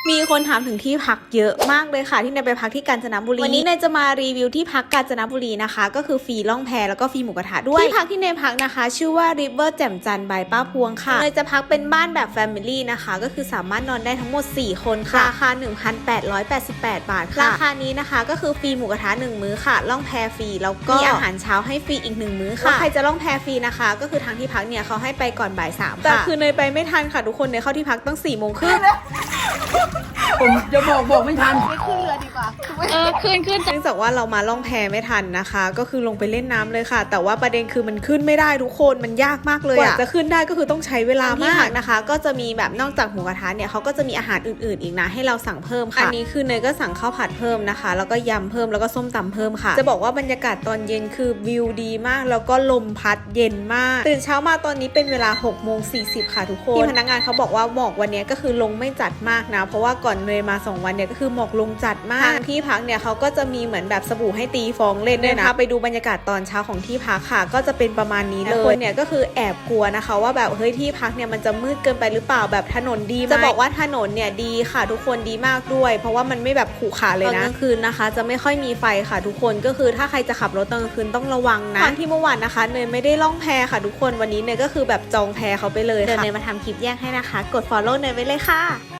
มีคนถามถึงที่พักเยอะมากเลยค่ะที่เนยไปพักที่กาญจนบุรีวันนี้เนยจะมารีวิวที่พักกาญจนบุรีนะคะก็คือฟรีล่องแพแล้วก็ฟรีหมูกระทะด้วยที่พักที่เนยพักนะคะชื่อว่า River แจ่มจันทร์ by ป้าพวงค่ะเนยจะพักเป็นบ้านแบบ Family นะคะก็คือสามารถนอนได้ทั้งหมด4คนค่ะราคา 1,888 บาทค่ะราคานี้นะคะก็คือฟรีหมูกระทะ1มื้อค่ะล่องแพฟรีแล้วก็มีอาหารเช้าให้ฟรีอีก1มื้อค่ะใครจะล่องแพฟรีนะคะก็คือทางที่พักเนี่ยเขาให้ไปก่อนบ่าย 3ค่ะแต่คือเนยไปไม่ทันค่ะทุกคนเนยเข้าที่พักตั้ง4 โมงครึ่งผมจะบอกไม่ทันไม่ขึ้นเรือดีกว่าขึ้นเนื่องจากว่าเรามาล่องแพไม่ทันนะคะก็คือลงไปเล่นน้ำเลยค่ะแต่ว่าประเด็นคือมันขึ้นไม่ได้ทุกคนมันยากมากเลยอะจะขึ้นได้ก็คือต้องใช้เวลามากนะคะก็จะมีแบบนอกจากหมูกระทะเนี่ยเขาก็จะมีอาหารอื่นๆอีกนะให้เราสั่งเพิ่มค่ะอันนี้คือเนยก็สั่งข้าวผัดเพิ่มนะคะแล้วก็ยำเพิ่มแล้วก็ส้มตำเพิ่มค่ะจะบอกว่าบรรยากาศตอนเย็นคือวิวดีมากแล้วก็ลมพัดเย็นมากตื่นเช้ามาตอนนี้เป็นเวลา6:40ค่ะทุกคนที่พนักงานเขาบอกว่าหมอกวันนี้ก็คือลงไม่จัดมากนะเพราะว่าก่อนเนยมา2 วันเนี่ยก็คือหมอกลงจัดมากทางที่พักเนี่ยเขาก็จะมีเหมือนแบบสบู่ให้ตีฟองเล่นด้วยนะไปดูบรรยากาศตอนเช้าของที่พักค่ะก็จะเป็นประมาณนี้เลยคนเนี่ยก็คือแอบกลัวนะคะว่าแบบเฮ้ยที่พักเนี่ยมันจะมืดเกินไปหรือเปล่าแบบถนนดีไหมจะบอกว่าถนนเนี่ยดีค่ะทุกคนดีมากด้วยเพราะว่ามันไม่แบบขรุขระเลยนะตอนกลางคืนนะคะจะไม่ค่อยมีไฟค่ะทุกคนก็คือถ้าใครจะขับรถตอนกลางคืนต้องระวังนะตอนที่เมื่อวานนะคะเนยไม่ได้ล่องแพค่ะทุกคนวันนี้เนยก็คือแบบจองแพเขาไปเลยค่ะเดี๋ยวเนยมาทำคลิปแยกให้นะคะกด follow เนยไว้เลยค่ะ